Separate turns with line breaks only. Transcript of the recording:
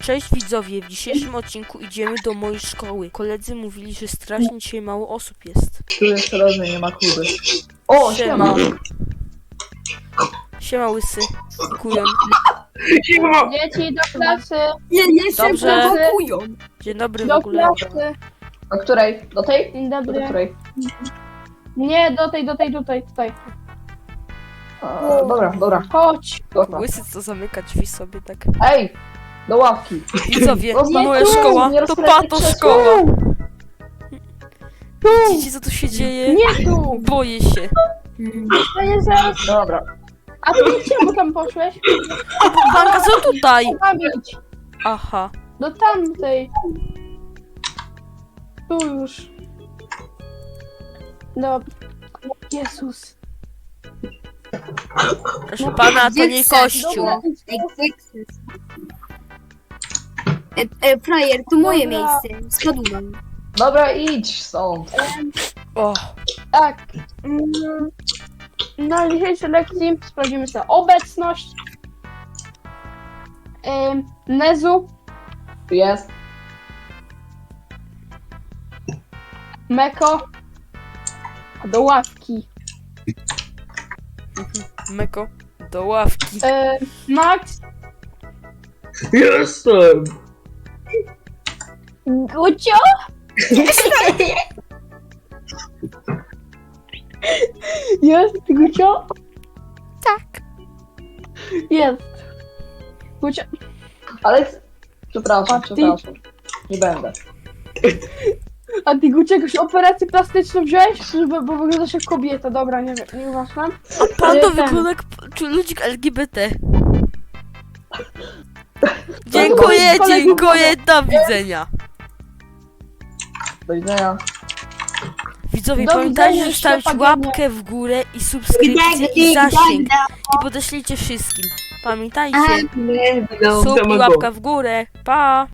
Cześć widzowie, w dzisiejszym odcinku idziemy do mojej szkoły. Koledzy mówili, że strasznie dzisiaj mało osób jest.
Tu jest rożny, nie ma Kuby. O, siema!
Siema łysy. Kujon.
Siema!
Dzieci do klasy!
Nie się
Dobrze.
prowokują.
Dzień dobry w
Do
ogóle.
klasy!
Do której? Do tej?
Dzień
Do
dobry.
której?
Nie, tutaj.
Dobra.
Chodź!
Dobra.
Łysy co zamyka drzwi sobie tak.
Ej! Do ławki.
Widzowie,
Zostań
moja
tu,
szkoła
nie
to
rozkręcaj
pato
krzesła.
szkoła. Widzicie co tu się dzieje?
Nie tu!
Boję się.
To nie zaraz.
Dobra.
A ty czemu tam poszłeś?
Banka co tutaj?
Tam idź.
Aha.
Do tamtej. Tu już. Dobra. Jezus.
Proszę pana, to nie kościół.
Dobra.
Frajer, to moje
Dobra.
miejsce. Spadłem.
Dobra, idź stąd.
O,
Tak. Na dzisiejszej lekcji sprawdzimy sobie obecność. Nezu,
Tu jest.
Meko. Do ławki.
Meko, do ławki.
Max.
Jestem!
Gucio? Jest Gucio?
Tak.
Jest. Gucio.
Ale... Przepraszam.
A ty?
Nie będę.
A ty Gucio jakąś operację plastyczną wziąłeś? Bo wyglądasz jak kobieta. Dobra, nie wiem, nie uważam.
A pan to
Ten.
wygląda jak ludzik LGBT. Dziękuję, do widzenia.
Do widzenia.
Widzowie,
Do
pamiętajcie,
widzenia,
zostawić
Szczepanianie.
łapkę w górę i subskrypcję i zasięg. I podeślijcie wszystkim. Pamiętajcie, sub i łapka w górę. Pa!